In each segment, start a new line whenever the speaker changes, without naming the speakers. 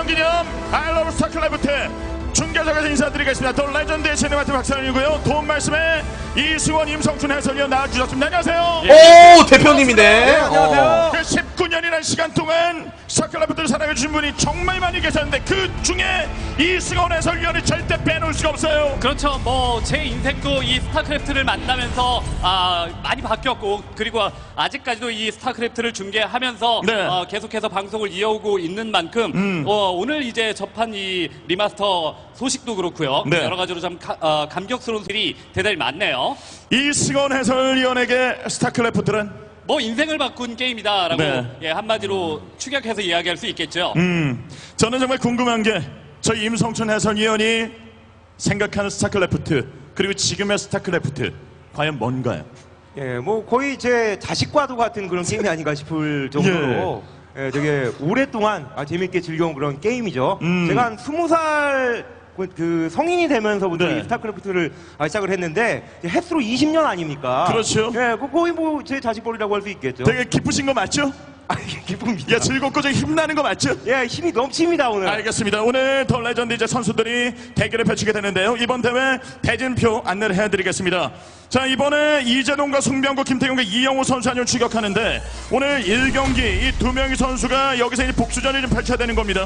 10주년 기념 아이러브 스타클래프트 중계석에서 인사드리겠습니다. 더 레전드의 시네마트 박찬일이고요. 도움 말씀에 이승원, 임성춘 해설위원 나와주셨습니다. 안녕하세요.
오, 대표님이네.
네, 안녕하세요. 그 19년이라는 시간 동안 스타클래프트를 사랑해주신 분이 정말 많이 계셨는데 그 중에 이승원 해설위원을 절대 빼놓을 수가 없어요.
그렇죠. 뭐 제 인생도 이 스타크래프트를 만나면서 많이 바뀌었고, 그리고 아직까지도 이 스타크래프트를 중계하면서
네.
계속해서 방송을 이어오고 있는 만큼 오늘 이제 접한 이 리마스터 소식도 그렇고요.
네.
여러 가지로 좀 감격스러운 일이 대단히 많네요.
이승원 해설위원에게 스타클래프트는
뭐 인생을 바꾼 게임이다라고
네.
예, 한마디로 축약해서 이야기할 수 있겠죠.
저는 정말 궁금한 게 저희 임성춘 해설위원이 생각하는 스타클래프트 그리고 지금의 스타클래프트 과연 뭔가요?
예, 뭐 거의 제 자식과도 같은 그런 게임이 아닌가 싶을 정도로 예, 되게 오랫동안 재밌게 즐겨온 그런 게임이죠. 제가 한 20살 그 성인이 되면서부터
네.
이 스타크래프트를 시작을 했는데 횟수로 20년 아닙니까?
그렇죠.
예, 거의 뭐 제 자식벌이라고 할 수 있겠죠.
되게 기쁘신 거 맞죠?
기쁩니다.
야, 즐겁고 좀 힘나는 거 맞죠?
예, 힘이 넘칩니다 오늘.
알겠습니다. 오늘 더 레전드 이제 선수들이 대결을 펼치게 되는데요. 이번 대회 대진표 안내를 해드리겠습니다. 자, 이번에 이재동과 송병구, 김태경과 이영호 선수 한명 추격하는데 오늘 1경기 이 두 명의 선수가 여기서 이제 복수전이 좀 펼쳐야 되는 겁니다.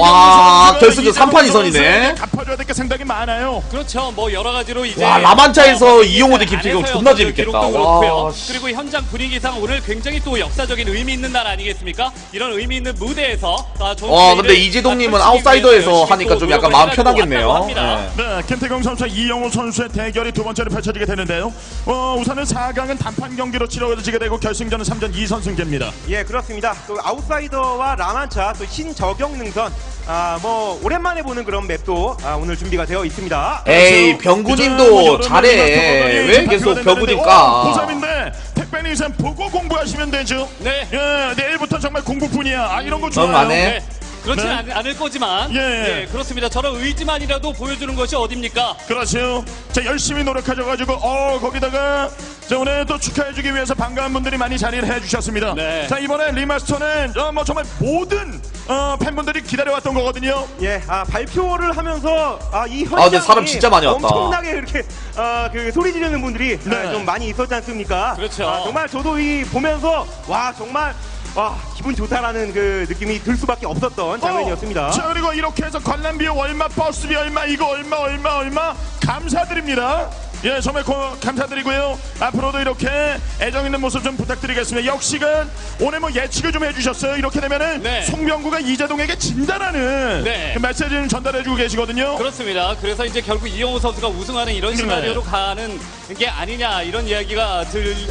와, 결승전 3판 2선이네.
선수에게 갚아줘야 될 게 상당히 많아요.
그렇죠. 뭐 여러 가지로 이제
와, 라만차에서 이용호 대 김태경
안에서의
존나
어떤
재밌겠다.
기록도 그렇고요.
와,
그리고 현장 분위기상 오늘 굉장히 또 역사적인 의미 있는 날 아니겠습니까? 이런 의미 있는 무대에서 좋은
근데
플레이를
이재동님은
펼치기
아웃사이더에서
위해서
하니까 좀 약간
노력을
마음
해가지고
편하겠네요.
왔다고 합니다.
네.
네, 김태경 선수와 이영호 선수의 대결이 두 번째로 펼쳐지게 되는데요. 우선은 4강은 단판 경기로 치러지게 되고 결승전은 3전 2선승제입니다.
예, 그렇습니다. 또 아웃사이더와 라만차, 또 신저경 능선, 뭐 오랜만에 보는 그런 맵도 오늘 준비가 되어 있습니다.
에이, 병구님도 잘해. 왜 계속 병구님 까?
고3인데 택배는 이상 보고 공부하시면 되죠.
네.
예, 내일부터 정말 공부뿐이야. 이런 거 좋아요.
안 해?
네. 그렇지
네.
않을 거지만
예.
그렇습니다. 저런 의지만이라도 보여주는 것이 어딥니까?
그렇죠. 자, 열심히 노력하셔가지고 거기다가 자, 오늘 또 축하해주기 위해서 반가운 분들이 많이 자리를 해주셨습니다.
네.
자, 이번에 리마스터는 뭐 정말 모든 팬분들이 기다려왔던 거거든요.
예, 발표를 하면서 이
근데
현장에
사람 진짜 많이 왔다.
엄청나게 이렇게 그 소리 지르는 분들이
네.
좀 많이 있었지 않습니까?
그렇죠.
정말 저도 이 보면서 와 정말 기분 좋다라는 그 느낌이 들 수밖에 없었던 장면이었습니다.
자, 그리고 이렇게 해서 관람 비용 얼마, 버스비 얼마, 이거 얼마 감사드립니다. 예, 정말 감사드리고요. 앞으로도 이렇게 애정 있는 모습 좀 부탁드리겠습니다. 역시간 오늘 뭐 예측을 좀 해주셨어요. 이렇게 되면은
네.
송병구가 이재동에게 진다라는
네.
그 메시지를 전달해주고 계시거든요.
그렇습니다. 그래서 이제 결국 이영호 선수가 우승하는 이런 시나리오로 가는 게 아니냐 이런 이야기가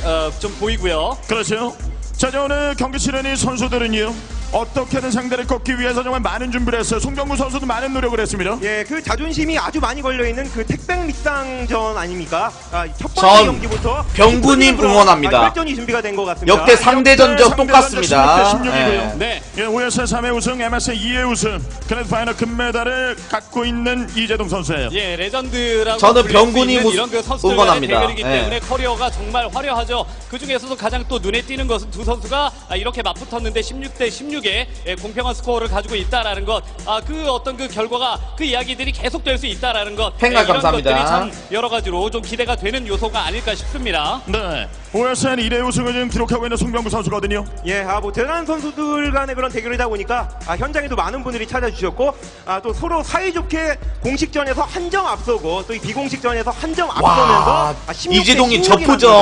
좀 보이고요.
그렇죠. 자, 오늘 경기 치르는 선수들은요 어떻게든 상대를 꺾기 위해서 정말 많은 준비를 했어요. 송병구 선수도 많은 노력을 했습니다.
예, 그 자존심이 아주 많이 걸려있는 그 택백 믹상전 아닙니까? 첫 번째
전
경기부터
병구님 응원합니다.
혈전이 준비가 된 것 같습니다.
역대 상대 전적 똑같습니다.
16대 16이고요.
예.
네.
예, OSL 3회 우승, MSL 2회 우승, 그래도 파이널 금메달을 갖고 있는 이재동 선수예요.
예, 레전드라고
저는
불릴 수
병군이
있는 이런 그 선수들 간의
응원합니다.
대결이기
예.
때문에 커리어가 정말 화려하죠. 그 중에서도 가장 또 눈에 띄는 것은 두 선수가 이렇게 맞붙었는데 16대 16의 공평한 스코어를 가지고 있다라는 것, 그 어떤 그 결과가 그 이야기들이 계속될 수 있다라는 것,
팬가
이런
감사합니다.
것들이 참 여러 가지로 좀 기대가 되는 요소가 아닐까 싶습니다.
네, OSL 1회 우승을 지금 기록하고 있는 송병구 선수거든요.
예, 뭐 대단한 선수들 간의 그런 대결이다 보니까 현장에도 많은 분들이 찾아주셨고 또 서로 사이좋게 공식전에서 한 점 앞서고 또 이 비공식전에서 한 점 앞서면서
이재동이 저프전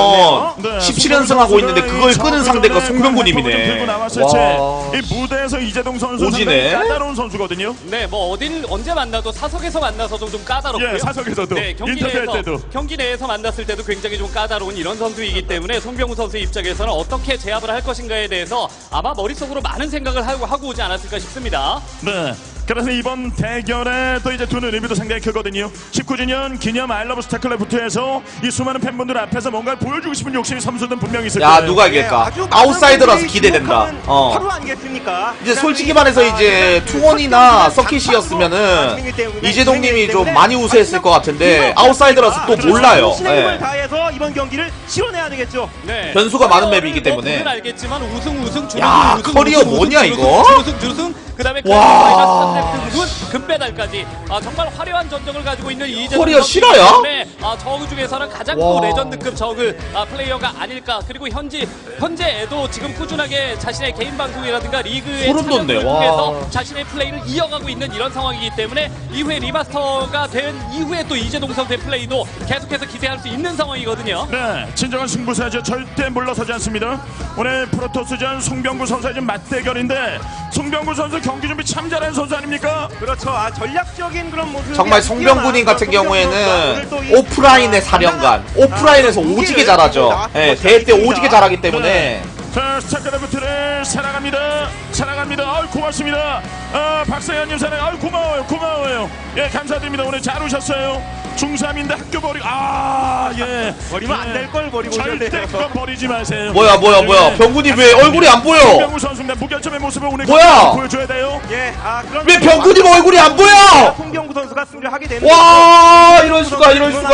17연승하고 있는데 그걸 끄는 상대가 송병구님이네.
들고 나왔을
와.
때 이 무대에서 이재동 선수
오지네.
상당히 까다로운 선수거든요.
네, 뭐 언제 만나도 사석에서 만나서도 좀 까다롭고요.
예, 사석에서도
네,
인터뷰할 때도
경기 내에서 만났을 때도 굉장히 좀 까다로운 이런 선수이기 때문에 송병구 선수의 입장에서는 어떻게 제압을 할 것인가에 대해서 아마 머릿속으로 많은 생각을 하고 오지 않았을까 싶습니다.
네. 그래서 이번 대결에 또 이제 두는 의미도 상당히 크거든요. 19주년 기념 아이러브 스타클래프트에서 이 수많은 팬분들 앞에서 뭔가를 보여주고 싶은 욕심이 선수들은 분명히 있을 거예요.
야, 누가 이길까? 아웃사이더라서 기대된다.
하루 아니겠습니까?
이제 솔직히 말해서 이제 투원이나 서킷이었으면은 이재동님이 좀 많이 우세했을 것 같은데 아웃사이더라서 또 몰라요.
신의 힘을
예.
다해서 이번 경기를 치러내야 되겠죠.
네.
변수가 많은 맵이기 때문에.
보면 알겠지만 우승
야, 커리어 뭐냐, 이거?
주승 그다음에
와.
금메달까지 정말 화려한 전적을 가지고 있는 이재동
코리아
선수
실화야?
때문에 저그 중에서는 가장 또
와.
레전드급 저그 플레이어가 아닐까. 그리고 현재에도 지금 꾸준하게 자신의 개인 방송이라든가 리그의
소름 돋네.
참여를
와.
통해서 자신의 플레이를 이어가고 있는 이런 상황이기 때문에 이후에 리마스터가 된 이후에 또 이재동 선수의 플레이도 계속해서 기대할 수 있는 상황이거든요.
네, 진정한 승부사죠. 절대 물러서지 않습니다. 오늘 프로토스전 송병구 선수의 지금 맞대결인데 송병구 선수 경기 준비 참 잘하는 선수 아닙니까?
그렇죠. 전략적인 그런 모습.
정말 송병구님 같은 경우에는 오프라인의 사령관, 오프라인에서 오지게 잘하죠. 예, 대회 때 오지게 잘하기 때문에.
자, 스타크래프트를 사랑합니다. 사랑합니다. 고맙습니다. 박세현님 사랑. 고마워요. 예, 감사드립니다. 오늘 잘 오셨어요. 중3인데 학교 버리고 예.
버리면 안 될 걸 버리고
절대
오셨네요.
그거 버리지 마세요.
뭐야. 병군이 왜 얼굴이 안 보여?
송병구 선수입니다. 무결점의 모습을 오늘
뭐야?
보여줘야 돼요.
예, 그런
왜 병군이 얼굴이 안 보여?
송병구 선수가 승리를 하게 되는
와, 이럴 수가.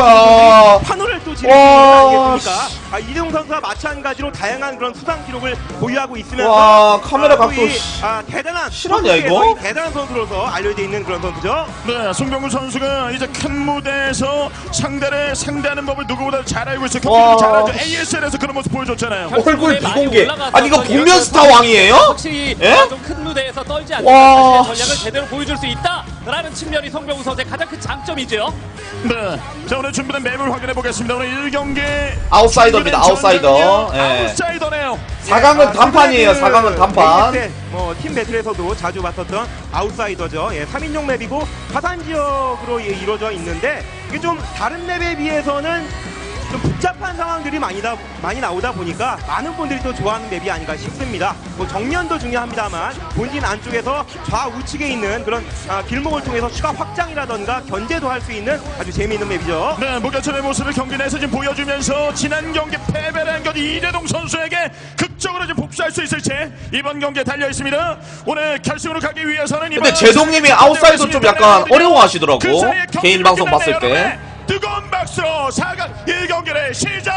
환호를 또 지르는 거 아니겠습니까? 이재동 선수와 마찬가지로 다양한 그런 수상 기록을 보유하고 있으면서
와, 카메라 각도
대단한
실화냐, 이거?
선수에서 대단한 선수로서 알려져 있는 그런 선수죠.
네, 송병구 선수가 이제 큰 무대에서 상대를 상대하는 법을 누구보다 잘 알고 있어요.
와.
경기도 잘하죠. ASL에서 그런 모습 보여줬잖아요.
얼굴
많이
비공개.
올라가서
아니, 이거
전략을
복면 스타 왕이에요?
확실히
예?
좀 큰 무대에서 떨지 않는
와.
자신의 전략을 제대로 보여줄 수 있다라는 측면이 송병구 선수의 가장 큰 장점이죠.
네, 자 오늘 준비된 맵을 확인해 보겠습니다. 오늘 1경기
아웃사이더입니다, 아웃사이더. 예.
아웃사이더네요.
4강은 단판이에요, 4강은 단판.
팀 배틀에서도 자주 봤었던 아웃사이더죠. 3인용 맵이고 화산 지역으로 이루어져 있는데 이게 좀 다른 맵에 비해서는 좀 복잡한 상황들이 많이 나오다 보니까 많은 분들이 또 좋아하는 맵이 아닌가 싶습니다. 뭐 정면도 중요합니다만 본진 안쪽에서 좌우측에 있는 그런 길목을 통해서 추가 확장이라던가 견제도 할 수 있는 아주 재미있는 맵이죠.
네, 무결점의 모습을 경기 내에서 지금 보여주면서 지난 경기 패배를 한 경기 이재동 선수에게 극적으로 지금 복수할 수 있을지 이번 경기에 달려 있습니다. 오늘 결승으로 가기 위해서는
근데 제동님이 아웃사이더 좀 약간 어려워하시더라고.
그 사이에
개인
경기를
방송
끝내네요,
봤을 때.
여러분의 뜨거운 박수로 4강 1경기를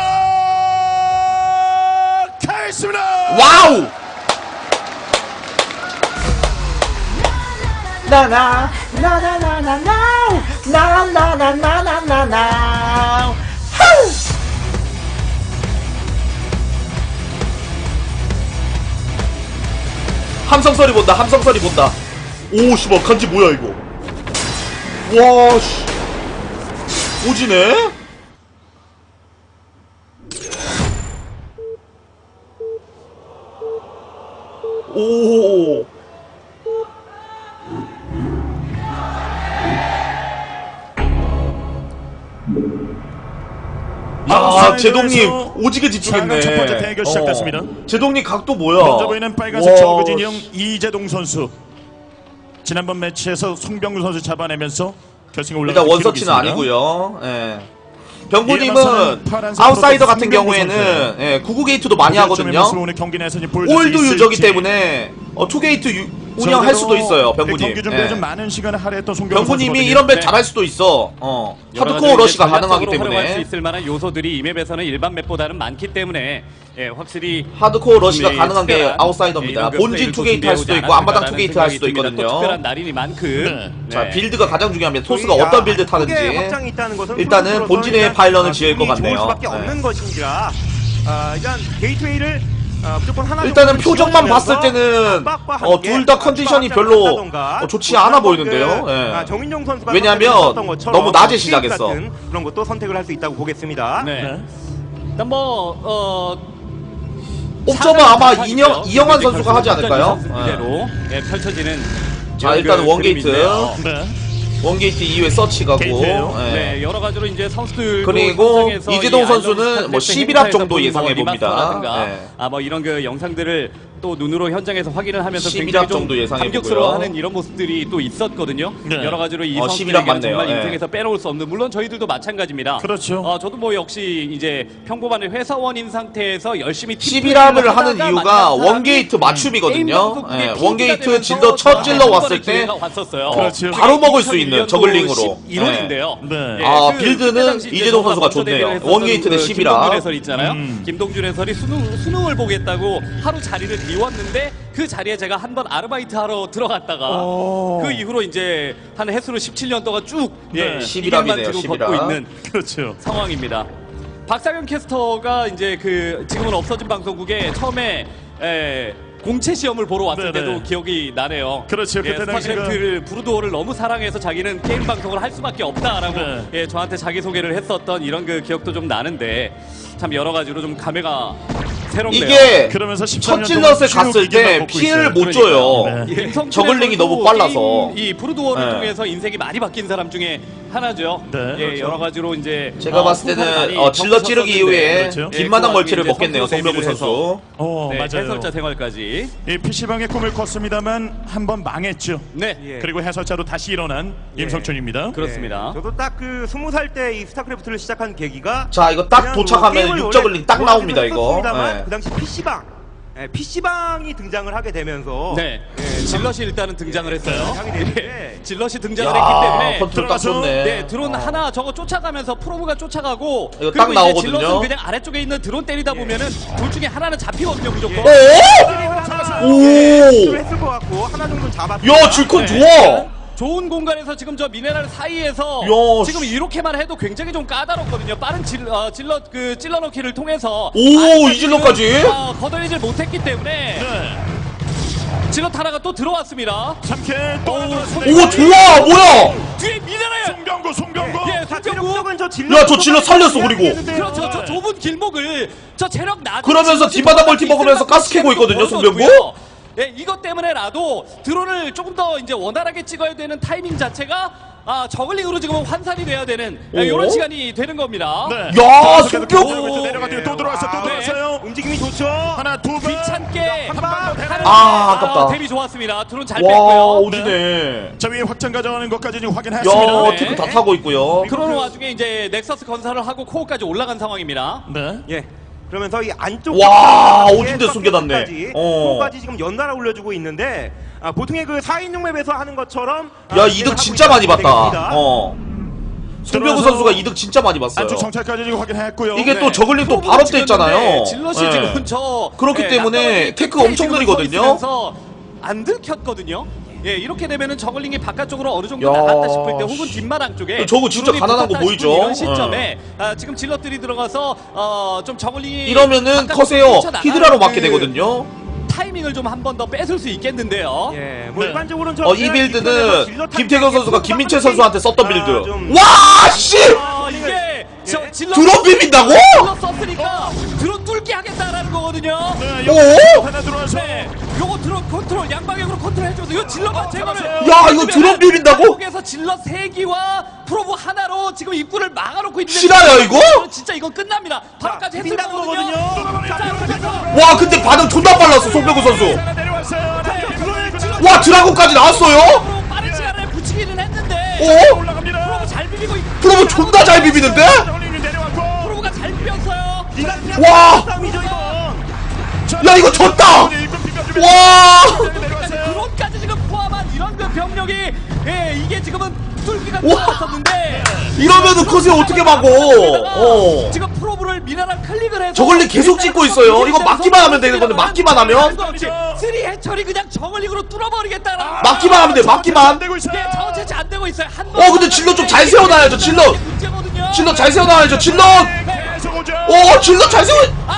시작하겠습니다.
와우! 나나나나나나나나나나나나나나 함성소리 본다. 오, 씨발, 간지 뭐야, 이거. 와, 씨. 오지네? 오. 야, 제동님 오지게 집중했네.
첫 번째 대결 시작됐습니다.
제동님 각도 뭐야?
먼저 보이는 빨간색
와,
저그 진영 이재동 선수. 지난번 매치에서 송병구 선수 잡아내면서 결승에 올라간
일단 원서치는 아니고요. 예. 병구님은
이에마서는 파란색
아웃사이더
프로토스
같은
송병구
경우에는
선수예요.
예, 99게이트도 많이 하거든요.
오늘 경기 내에서 이제 보여줄 수
올드 유저기
있을지.
때문에 2게이트 운영할 수도 있어요, 병구님.
경기 준비에
예.
좀 많은 시간을 할애했던 송병구
병구님이
선수거든요.
이런 맵
네.
잘할 수도 있어.
여러
하드코어
가지
러시가
이제
가능하기
전략적으로 활용할 수
때문에.
있을 만한 요소들이 이 맵에서는 일반 맵보다는 많기 때문에 확실히
하드코어 러시가
네,
가능한 게
특별한,
아웃사이더입니다.
이런 그
본진
플레이를
2게이트 할 수도
준비해오지
있고 앞마당
않았을까라는
2게이트 할 수도
생각이 듭니다. 또
있거든요.
특별한 날이니 만큼
네.
자, 빌드가 가장 중요합니다. 토스가
거의,
어떤 빌드 타는지.
확장이 있다는 것은
일단은
프로토스로서는
본진의
일단,
파일런을 지을 것
기분이 좋을
같네요.
수밖에 없는 것인지라 일단 게이트웨이를 무조건 하나
일단은
정도
표정만
지어주면서
봤을 때는
압박과 함께
둘 다 컨디션이
추가
별로
확장을
좋지
한다던가,
않아 보이는데요.
그,
예.
정인용 선수가
왜냐하면
선택했었던 것처럼
너무 낮에
게임
시작했어.
같은 그런 것도 선택을 할 수 있다고 보겠습니다.
네.
네.
일단
옵저버 아마 이영환 선수가 하지 않을까요?
그대로 펼쳐지는
자, 일단은 원게이트.
그림인데요.
네.
원게이트 이후에 서치 가고.
게이트예요.
예.
네, 여러 가지로 이제 선수들
그리고 이재동 선수는 뭐 11합 정도 예상해 봅니다. 네.
뭐 이런 그 영상들을 또 눈으로 현장에서 확인을 하면서
11합
굉장히 좀
정도 예상해
감격스러워하는
보고요.
이런 모습들이 또 있었거든요.
네.
여러 가지로 이
11합
선수들에게는
맞네요.
정말
네.
인생에서 빼놓을 수 없는, 물론 저희들도 마찬가지입니다.
그렇죠.
저도 뭐 역시 이제 평범한 회사원인 상태에서 열심히
11합을 하는 이유가 원게이트 맞춤이거든요. 예, 원게이트 질러 첫 질러 왔을 때
왔었어요.
그렇죠.
바로 먹을 수 있는 저글링으로.
1월인데요.
네.
아, 빌드는 이재동 선수가 좋네요. 원게이트 대 11합.
김동준 해설이 있잖아요. 김동준 해설이 수능을 보겠다고 하루 자리를 미웠는데 그 자리에 제가 한번 아르바이트 하러 들어갔다가 그 이후로 이제 한 해수로 17년 동안 쭉
네.
11일만 지금 걷고
11일.
있는
그렇죠.
상황입니다. 박상현 캐스터가 이제 그 지금은 없어진 방송국에 처음에 공채 시험을 보러 왔을
네네.
때도 기억이 나네요.
그렇죠. 그때 당시가-
스타크래프트를 브루도어를 너무 사랑해서 자기는 게임 방송을 할 수밖에 없다라고
네.
예, 저한테 자기 소개를 했었던 이런 그 기억도 좀 나는데 참 여러 가지로 좀 감회가 새롭네요.
이게
그러면서 13년
첫 질럿에
동안
갔을
쭉 이기만
때
먹고
피해를
있어요.
못 줘요.
네.
예, 임성춘
저글링이
선수도
너무 빨라서.
게임, 이 브루도어를
네.
통해서 인생이 많이 바뀐 사람 중에 하나죠.
네,
예,
그렇죠.
여러 가지로 이제
제가 봤을
후보를
때는
많이
질럿 찌르기
겪으셨었는데,
이후에
그렇죠.
뒷마당
그
멀티를
와중에
먹겠네요.
이제
송병구
선수
선수.
어,
네,
맞아요.
해설자 생활까지.
이 PC방의 꿈을 꿨습니다만 한번 망했죠.
네,
예.
그리고 해설자로 다시 일어난
예.
임성춘입니다.
그렇습니다.
저도 딱 그 20살 때 이 스타크래프트를 시작한 계기가
자, 이거 딱
그냥
도착하면
게임을
육저글링 딱
원래
나옵니다, 이거.
좋아하기는
네.
그 당시 PC방이 등장을 하게 되면서
네,
예,
질럿이 일단은 등장을 했어요.
하게 되는데
질럿이 등장을
야,
했기 때문에
컨트롤 딱
들어가서-
좋네.
네, 드론 하나 저거 쫓아가면서 프로브가 쫓아가고
이거
그리고
딱
이제
나오거든요.
질럿은 그냥 아래쪽에 있는 드론 때리다 보면은 둘 중에 하나는 잡히거든요, 무조건.
오!
오!
오!
했을 것 같고 하나 정도 잡았고
야, 질컨
네,
좋아!
좋은 공간에서 지금 저 미네랄 사이에서
야,
지금 이렇게만 해도 굉장히 좀 까다롭거든요. 빠른 질럿 그 찔러넣기를 통해서
오,
아직까지는,
이 질럿까지?
거덜리질 못했기 때문에
네.
질럿 하나가 또 들어왔습니다.
3킬 또 하나
오, 좋아! 뭐야!
뒤에 미네랄
송병구.
예,
자,
송병구.
체력적은 저 질럿
야, 저 질럿 살렸어, 그리고.
그렇죠. 저 좁은 길목을 저 체력 낮은
그러면서
질럿이
뒷바닥 멀티
있을
먹으면서
만큼
가스 캐고 있거든요,
벌어졌고요.
송병구?
예, 이것 때문에라도 드론을 조금 더 이제 원활하게 찍어야 되는 타이밍 자체가 저글링으로 지금 환산이 돼야 되는
오?
이런 시간이 되는 겁니다.
네.
야,
송병구
송병구!
내려가더니 또 들어왔어. 또
와,
들어왔어요.
움직임이 좋죠.
하나 두 번.
귀찮게
한방더 대라.
아깝다.
데뷔 좋았습니다. 드론 잘
와,
뺐고요.
오지네.
자 위에 확장 가져가는 것까지 지금 확인했습니다.
야,
네.
테크 다 타고 있고요.
그러는 와중에 이제 넥서스 건설을 하고 코어까지 올라간 상황입니다.
네.
예. 그러면서 이 안쪽
와, 오진대 숨겨놨네.
까지 지금 연달아 올려주고 있는데 보통의 그 4인용 맵에서 하는 것처럼
야, 이득 진짜 많이 봤다. 송병구
들어와서
선수가 이득 진짜 많이 봤어요.
안쪽 정찰까지 지금 확인했고요.
이게
네.
또 저글링 또
프로브를
바로 돼
찍었는데
있잖아요.
질럿이
네.
지금 저
그렇기 때문에
낙하산이
테크
끝에
엄청
지금
느리거든요.
서 있으면서 안 들켰거든요. 예, 이렇게 되면은 저글링이 바깥쪽으로 어느 정도
야,
나갔다 싶을 때 혹은 뒷마당 쪽에
저거 진짜
드론이
가난한 거
붙었다
보이죠?
싶은 이런 시점에 지금 질럿들이 들어가서 좀 저글링이
이러면은
바깥쪽으로
커세요.
뛰쳐나가는
히드라로 맞게
그
되거든요.
타이밍을 좀 한 번 더 뺏을 수 있겠는데요.
예, 뭐
네.
일반적으로는 저
이 빌드는
질럿
김태경 선수가 김민철 선수한테 썼던 빌드.
좀-
와, 씨!
이게 저 질럿
드론 비빈다고?
질럿 썼으니까 드론 뚫게 하겠다라는 거거든요.
네,
오?
하나 들어와서.
네, 요거 드론 컨트롤 양방향으로 컨트롤 해줘서 이거 질럿만 제거를.
야, 이거 드론 비빈다고?
한국에서 질럿 3기와 프로브 하나로 지금 입구를 막아놓고 있는.
실화야, 이거?
진짜 이건 끝납니다. 바로까지 했을
빈다는
거거든요.
거거든요.
자, 여기서
와, 근데 반응 존나 빨랐어, 송병구 선수.
하나 내려왔어요.
와, 드라곤까지 나왔어요?
프로브 빠른 시간에 붙이기는 했는데.
오?
올라갑니다.
프로브 잘 비비고 있고.
프로브 존나 잘 비비는데?
저글링이 내려왔고.
프로브가 잘 비볐어요.
와!
싸움이죠 이건.
야, 이거 졌다! 와!
드론까지 지금 포함한 이런 그 병력이 이게 지금은 뚫기가
와!
들어왔었는데
이러면은 커세요 어떻게 막어?
지금 프로브를 미나랑 클릭을 해서
저글링 계속 찍고 있어요. 이거 막기만 하면 되는 건데, 막기만 하면?
쓰리 해철이 그냥 저글링으로 뚫어버리겠다라.
막기만 하면 돼, 막기만.
되고 있어요.
네, 저체치 안 되고 있어요. 한
근데 질럿 좀잘 세워놔야죠, 질럿.
문제거든요.
질럿 잘 세워놔야죠, 질럿!
계속 오죠.
질럿 잘 세워!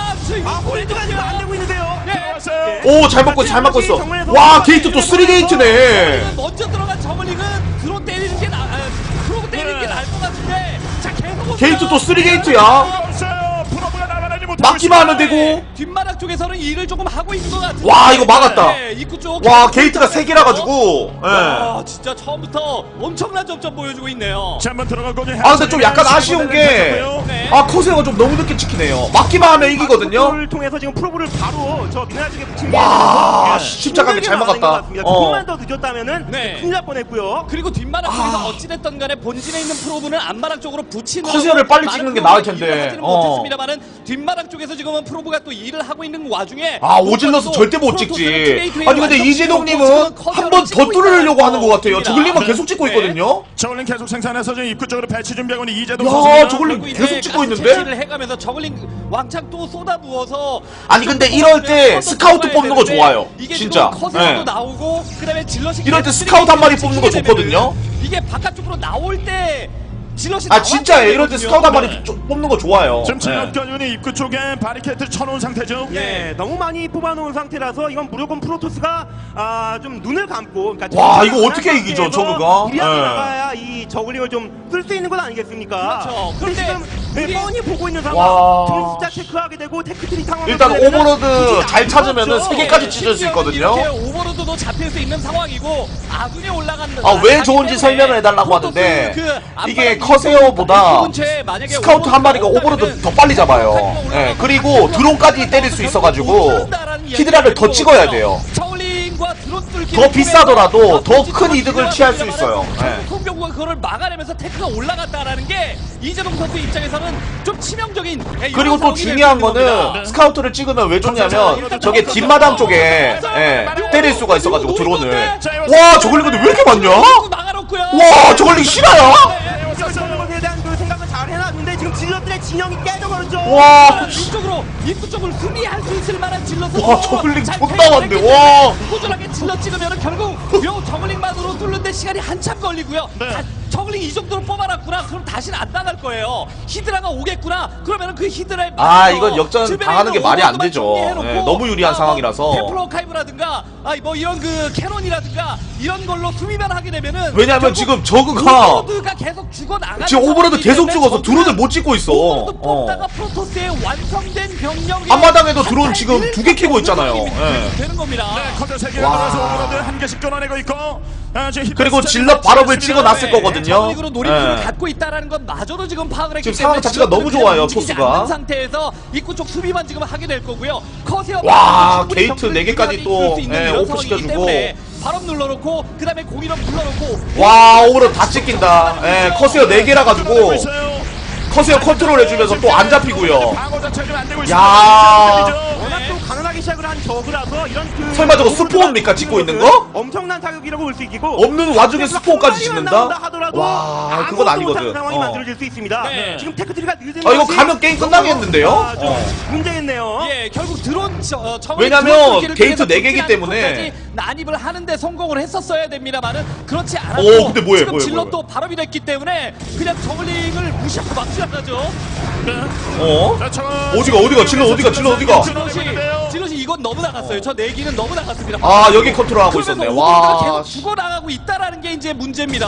보내주세요.
지금 안 되고 있는데요.
들어왔어요.
잘 먹고 있어, 잘 먹고 있어. 와, 게이트 또 3게이트네.
먼저 들어간 저글링은 드론 때리는 게 프로브 때리는 게 나을 것 같은데. 자, 계속
게이트 또
옵니다.
3게이트야.
들어왔어요. 프로브가 나가지 못하고
막기만 하면
있습니다.
되고.
뒷마당 쪽에서는 일을 조금 하고 있는 것 같은데.
와, 이거 막았다.
네, 입구 쪽.
와, 게이트가 3개라 가지고.
와, 진짜 처음부터 엄청난 점점 보여주고 있네요.
자, 한번 들어가고.
근데 좀 약간 아쉬운 게,
네.
커세어가 좀 너무 늦게 찍히네요. 막기만 하면 이기거든요.
를 통해서 지금 프로브를 바로 저 미나라 쪽에 붙인 게
와,
네.
십자가게 잘
힘들게
막았다.
막은 것 같습니다. 조금만 더 늦었다면은
네.
큰일 날 뻔했고요.
그리고 뒷마당 쪽에서 어찌됐든 간에 본진에 있는 프로브는 앞마당 쪽으로 붙이는
커세어를 빨리 찍는 게 나을 텐데.
못했습니다만은 뒷마당 쪽에서 지금은 프로브가 또 일을 하고 있는 와중에
아, 오질러서 절대 못 찍지. 아니 근데 이재동님은 한 번 더 뚫으려고 하는 것 같아요. 저글링만 계속 찍고 있거든요.
저글링 계속 생산해서 지금 입구 쪽으로 배치 준비하고 있는 이재동
야,
선수입니다.
저글링
결국
계속
이제
찍고
가스
있는데?
채취를 해가면서 저글링 왕창 또 쏟아부어서
아니, 근데 이럴 때 스카우트 뽑는 거 좋아요.
이게
진짜.
지금 커세어도
예.
나오고 그다음에 질럿이
이럴 때 스카우트 한 마리 뽑는 거 좋거든요.
이게 바깥쪽으로 나올 때 질럿이
아 진짜예요. 이럴 때
나왔거든요.
스카우트 한 마리 뽑는 거 좋아요.
지금
예.
진압견이 입구 쪽에 바리케이트를 쳐놓은 상태죠.
예, 너무 많이 뽑아놓은 상태라서 이건 무조건 프로토스가 좀 눈을 감고 그러니까
와, 이거 어떻게 이기죠, 저그가?
미리하게
예.
나가야 이 저글링을 좀 쓸 수 있는 건 아니겠습니까?
그렇죠.
근데
그런데
지금
우리-
뻔히 보고 있는
와.
상황 등 숫자 체크하게 되고 테크트리 상황
일단 오버로드 잘 찾으면은 3개까지 찢을 수 있거든요.
이렇게 오버로드도 잡힐 수 있는 상황이고 아군이 올라간
아, 왜 좋은지 설명을 해달라고 하는데 이게 커세어보다 스카우트 한 마리가 오버로드 더 빨리 잡아요. 예, 그리고 드론까지 때릴 수 있어가지고 히드라를 더 찍어야 돼요. 더 비싸더라도 더 큰 이득을 취할 수 있어요. 예.
송병구가 그걸 막아내면서 테크가 올라갔다라는 게 이재동 선수 입장에서는 좀 치명적인
그리고 또 중요한 거는 스카우트를 찍으면 왜 좋냐면 저게 뒷마당 쪽에 예, 때릴 수가 있어가지고 드론을. 와, 저걸링 근데 왜 이렇게 많냐? 와, 저걸링 실화야?
것에 대한 그 생각을 잘 해놨는데 지금 질럿들의 진영이 깨져버렸죠.
와,
이쪽으로 입구 쪽을 수비할 수 있을 만한 질럿.
와, 저글링 존나 많네. 와.
꾸준하게 질럿 찍으면 결국 요 저글링만으로 뚫는데 시간이 한참 걸리고요. 자, 저글링 이 정도로 뽑아놨구나. 그럼 다시는 안 나갈 거예요. 히드라가 오겠구나. 그러면은 그 히드라에
아, 이건 역전 당하는 게 말이 안 되죠. 예, 너무 유리한 상황이라서.
템플러 카이브라든가 뭐 이런 그 캐논이라든가 이런 걸로 수비만 하게 되면은
왜냐면 지금 저그가
오버로드가 계속 죽어나가는
지금 오버로드
상황이기
계속
때문에
죽어서
저그는
드론을 못 찍고 있어.
오버로드 뽑다가 프로토스의 완성된 병력이
앞마당에도 드론 지금 2개 캐고 있잖아요. 예.
되는 겁니다.
커져 3개가
와.
들어와서 오버로드 한 개씩 끊어내고 있고 지금 히트
그리고
스타일이
질럿 발업을
맞지
찍어놨을
않습니다.
거거든요.
저글링으로 놀이터를
예.
갖고 있다라는 건 마저도 지금 파악을 했기
지금
때문에
상황 자체가 너무
질럿들은
좋아요,
움직이지
토스가.
않는 상태에서 입구 쪽 수비만 지금 하게 될 거고요. 커세어
와, 게이트 4개까지 또, 오프 시켜주고.
발업 눌러놓고 그다음에 공이력 눌러놓고
와, 오버로드 다 찍힌다. 예, 커세어 4개라 가지고 커세어 컨트롤 해주면서 또 안 잡히고요.
방어 자체가 좀안 되고 있습니다.
야.
워낙 좀 가난하게 시작을 한 저그라서 이런 그
설마 저거 스포입니까, 찍고 있는 거?
엄청난 타격이라고 볼 수 있고
없는 와중에 스포까지 찍는다?
하더라도
와, 그건 아니거든.
상황이
어.
만들어질 수 있습니다.
네.
지금 테크트리가 늦은
아, 이거
것이
가면 게임 끝나겠는데요?
좀
어.
문제겠네요.
예, 결국 드론
왜냐면 게이트 4개이기 때문에.
난입을 하는데 성공을 했었어야 됩니다만은 그렇지 않았고
오, 근데 뭐예요,
지금
뭐예요,
질럿도 발업이 됐기 때문에 그냥 저글링을 무시하고 막 지나가죠.
어?
자,
어디가 질러 어디가
질럿이 이건 너무 나갔어요. 저 내기는 너무 나갔습니다.
아, 여기 컨트롤하고 있었네. 와,
계속 죽어나가고 있다라는 게 이제 문제입니다.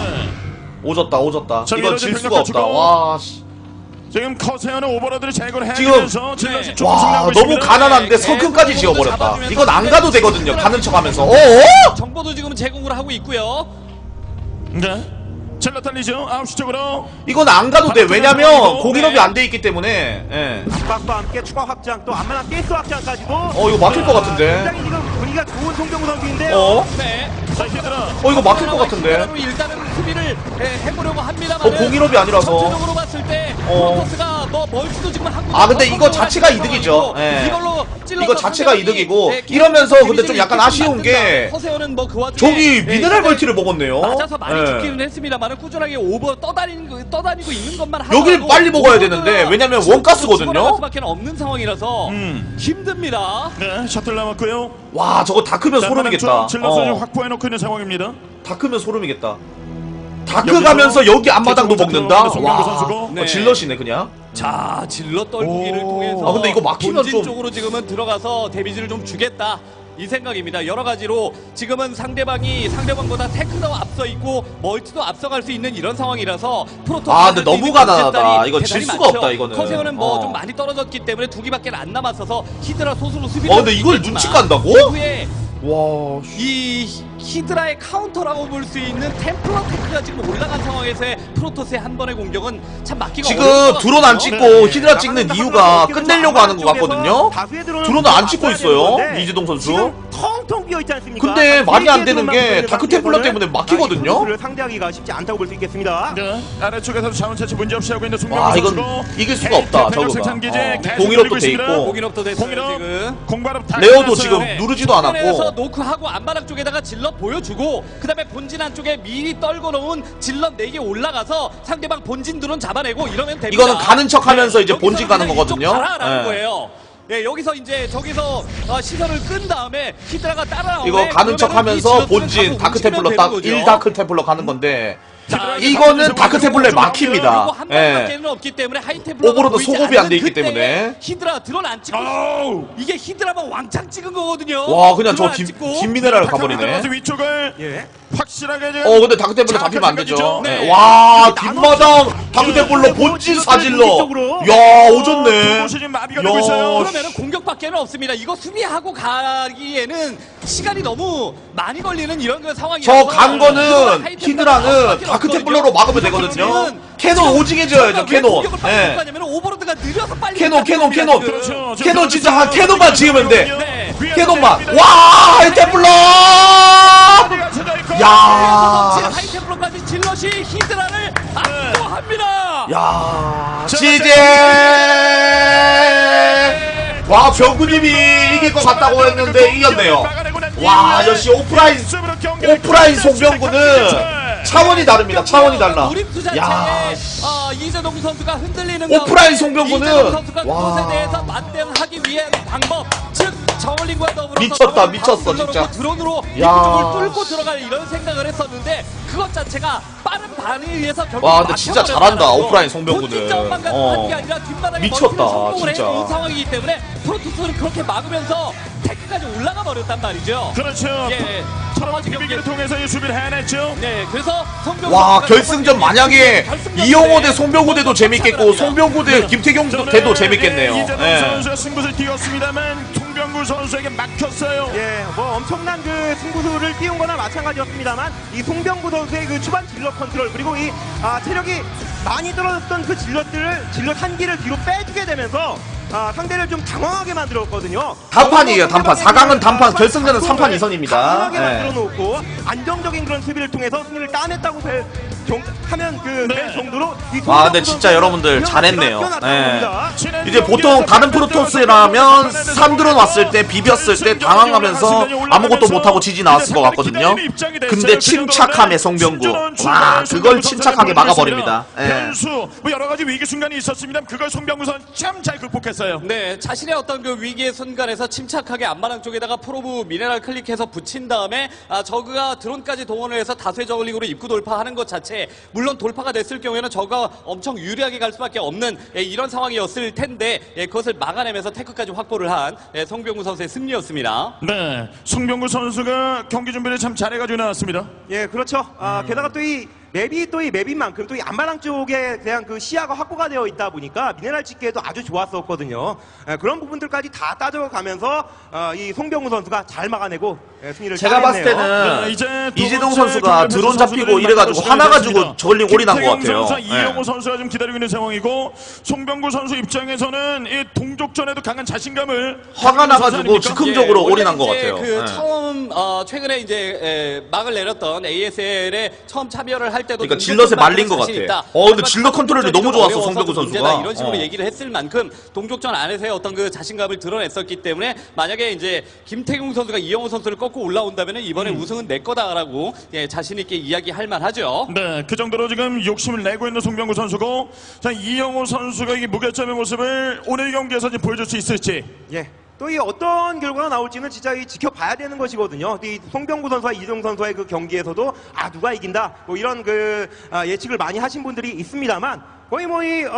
오졌다.
자,
이건
이러지
질 수가
병력
없다.
갖추고.
와, 씨.
지금 커세어는 오버로드를 제거를
지금-
해주면서 질럿이 조금
와,
승리하고
너무
있습니다.
가난한데 성큰까지 지어버렸다. 이건 안 가도 되거든요. 가는 척하면서. 어?
정보도 지금 제공을 하고 있고요.
네. 질럿 달리죠. 9시 쪽으로.
이건 안 가도 돼. 왜냐면 공인업이 안 돼 있기 때문에. 예.
압박과 함께 추가 확장 또 안만한 가스 확장까지도
이거 막힐 것 같은데.
굉장히 지금 분위기가 좋은 송병구 선수인데요.
어?
네.
자, 히드라.
이거 막힐 것 같은데.
일단은 수비를 해보려고 합니다만.
공인업이 아니라서.
전체적으로 봤을 때 프로토스가 뭐 멀티도 지금 하고.
아, 근데 이거 자체가 이득이죠. 예.
이걸로
이거 자체가 이득이고 이러면서 근데 좀 약간 아쉬운 게
허세어는 뭐 그 와중에
저기 미네랄 멀티를 먹었네요.
맞아서 많이
예.
죽기는 했습니다만 꾸준하게 오버 떠다니고 있는 것만 하고
여길 빨리 먹어야 되는데 왜냐면 원가스거든요.
수밖에 없는 상황이라서 힘듭니다.
네, 셔틀 남았고요.
와, 저거 다 크면 소름이겠다.
질럿을
어.
확보해놓고 있는 상황입니다.
다 크면 소름이겠다. 다크 가면서 여기 앞마당도 먹는다.
송병구
와,
선수고.
네.
질럿이네 그냥.
자, 질럿 떨구기를
오.
통해서
아, 근데 이거 막히면
본진
좀-
쪽으로 지금은 들어가서 데미지를 좀 주겠다. 이 생각입니다. 여러 가지로 지금은 상대방보다 테크도 앞서 있고 멀티도 앞서갈 수 있는 이런 상황이라서 프로토스
아, 근데 너무 가난하다. 이거 질 수가 없다, 이거는.
커세어는 뭐
어.
좀 많이 떨어졌기 때문에 두 개밖에 안 남았어서 히드라 소수로 수비를
근데 이걸 눈치 깐다고?
이후에
와,
이 히드라의 카운터라고 볼 수 있는 템플러 테크가 지금 올라간 상황에서의 프로토스의 한 번의 공격은 참 막기가 어려울
지금
것
드론 안
같거든요.
찍고 히드라 찍는 이유가 끝내려고 하는 것 같거든요. 드론은 안 찍고 있어요.
되는데
이재동 선수.
지금 텅텅 비어 되어 있지 않습니까?
근데 말이 안 되는 게
세계에서만
다크템플러
보이는
때문에 막히거든요?
선수를 상대하기가 쉽지 않다고 볼 수 있겠습니다.
네. 아래쪽에서 자원 채취 문제 없이 하고 있는 송병구
와,
선수고
이건 이길 수가 없다, 저거가.
공일업도
돼 있고.
공인업도 됐어요 지금.
공발업 다
레어도
끝났어요.
지금
네.
누르지도 않았고.
그래서 노크하고 안마랑 쪽에다가 질럿 보여주고 그다음에 본진 안쪽에 미리 떨궈 놓은 질럿 4개 올라가서 상대방 본진 드론 잡아내고 이러면 됩니다.
이거는 가는 척하면서 이제
여기서
본진 가는
그냥
거거든요.
이쪽 가라라는
네.
거예요. 네, 여기서 이제 저기서 시선을 끈 다음에 히드라가 따라오면
이거 가는 척하면서 본진 다크템플러 딱 1다크템플러 가는 건데 이거는 다크템플러에 막힙니다.
한
예.
방밖에는 없기 때문에 하이템플러
오버로드 소급이 안 돼 있기 때문에.
히드라 드론 안 찍고
아우.
이게 히드라만 왕창 찍은 거거든요.
와, 그냥 저
드론 안 찍고.
뒷미네랄
가버리네.
가버리네.
위쪽을
예.
확실하게 이제
근데 다크템플러 잡히면 안 되죠.
네.
네. 와, 뒷마당 다크템플러 본진 사질러. 야, 오졌네.
곳이 지금 마비가 되고 있어요.
그러면은 공격밖에는 없습니다. 이거 수비하고 가기에는 시간이 너무 많이 걸리는 이런 그 상황이라서
저 간 거는 히드라는 다크템플러로 막으면 되거든요. 캐논 오징해줘야죠, 캐논. 예.
오버로드가 느려서 빨리
캐논
그렇죠.
캐논 진짜 한 캐논만 지으면 돼.
네.
캐논만. 와, 하이템플러! 야.
하이템플러까지 질럿이 히드라를 압도합니다.
야,
자,
지제! 와, 병구님이 이길 것 같다고 했는데 이겼네요. 와, 역시 오프라인 송병구는 차원이 다릅니다. 차원이 달라.
우립투 자체에
야,
이재동 선수가 흔들리는
오프라인
가운데
송병구는
이재동 선수가
와.
그것에 대해서 맞대응하기 위한 방법, 즉 저울링과 더불어서
미쳤다,
저걸
미쳤어,
바로
진짜.
눌러놓고 드론으로
야.
이쪽을 뚫고 들어갈 이런 생각을 했었는데 그것 자체가 빠른 반응에 의해서 결국
와, 근데 진짜 잘한다,
막혀버렸다는 거.
오프라인 송병구는.
본진 자원만 가지고 하는 게 아니라 뒷바닥에
미쳤다,
멀티를 성공을
진짜.
해놓은 상황이기 때문에 프로토스는 그렇게 막으면서 태클까지 올라가 버렸단 말이죠.
그렇죠.
예.
첫 번째 경기를 통해서 이 수비를 해냈죠.
네, 그래서 성병구
와,
선수가
결승전 만약에
결승전
이영호
때
대 송병구 대도 재밌겠고 송병구 대 김태경 대도 재밌겠네요.
이재동
예.
선수가 승부를 띄웠습니다만 송병구 선수에게 막혔어요.
예, 뭐 엄청난 그 승부수를 띄운 거나 마찬가지였습니다만 이 송병구 선수의 그 초반 질럿 컨트롤 그리고 이 체력이 많이 떨어졌던 그 질럿 한 기를 뒤로 빼주게 되면서 상대를 좀 당황하게 만들었거든요.
단판이에요, 단판. 4강은 단판, 결승전은 3판 2선입니다.
당황하게
예.
만들어 놓고 안정적인 그런 수비를 통해서 승리를 따냈다고 하면 될 정도로 이
와, 근데
송병구
진짜
선수의
여러분들
기량이
잘했네요.
뛰어났다는
예.
겁니다.
이제 보통 다른 프로토스라면 3드론 왔을 때 비볐을 때 당황하면서 아무것도 못하고 지지 나왔을 것 같거든요. 근데 침착함의 송병구. 와, 그걸 침착하게 막아버립니다. 예.
변수 뭐 여러 가지 위기 순간이 있었습니다. 그걸 송병구 선수 참 잘 극복했어요.
네, 자신의 어떤 그 위기의 순간에서 침착하게 앞마당 쪽에다가 프로브 미네랄 클릭해서 붙인 다음에 저그가 드론까지 동원을 해서 다수의 저글링으로 입구 돌파하는 것 자체 물론 돌파가 됐을 경우에는 저가 엄청 유리하게 갈 수밖에 없는 이런 상황이었을 텐데 그것을 막아내면서 태클까지 확보를 한 송병구 선수의 승리였습니다.
네, 송병구 선수가 경기 준비를 참 잘해가지고 나왔습니다.
예, 그렇죠. 게다가 또 이 맵인 만큼 또 이 앞마당 쪽에 대한 그 시야가 확보가 되어 있다 보니까 미네랄 찍기에도 아주 좋았었거든요. 예, 그런 부분들까지 다 따져가면서 이 송병구 선수가 잘 막아내고 승리를
제가 봤을
따냈네요.
때는
네, 이제 두
이재동
번째
선수가
경기
드론 잡히고
선수들이
이래가지고
만나고
하나 가지고
시작했습니다.
저글링 올인한 것
김태경
같아요.
선수와
예.
이영호 선수가 좀 기다리고 있는 상황이고 송병구 선수 입장에서는 이 동족전에도 강한 자신감을
화가 나가지고
선수 아닙니까?
즉흥적으로
원래
올인한 것
이제
같아요.
그
예.
처음 최근에 이제 막을 내렸던 ASL에 처음 참여를 할 때도
그러니까 질럿에 말린 것 같아. 근데 질럿 컨트롤이 너무 좋았어, 송병구 선수가.
이런 식으로 얘기를 했을 만큼 동족전 안에서의 어떤 그 자신감을 드러냈었기 때문에 만약에 이제 김태경 선수가 이영호 선수를 꺾고 올라온다면 이번에 우승은 내 거다라고 자신 있게 이야기할 만하죠.
네, 그 정도로 지금 욕심을 내고 있는 송병구 선수고, 자 이영호 선수가 이 무결점의 모습을 오늘 경기에서 지금 보여줄 수 있을지.
예. 또 이 어떤 결과가 나올지는 진짜 이 지켜봐야 되는 것이거든요. 이 송병구 선수와 이재동 선수의 그 경기에서도 누가 이긴다 뭐 이런 그 예측을 많이 하신 분들이 있습니다만 거의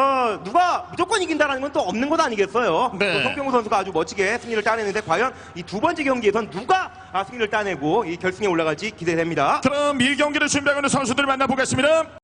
누가 무조건 이긴다라는 건 또 없는 것 아니겠어요.
네.
또 송병구 선수가 아주 멋지게 승리를 따내는데 과연 이 두 번째 경기에선 누가 승리를 따내고 이 결승에 올라갈지 기대됩니다.
그럼 이 경기를 준비하고 있는 선수들을 만나보겠습니다.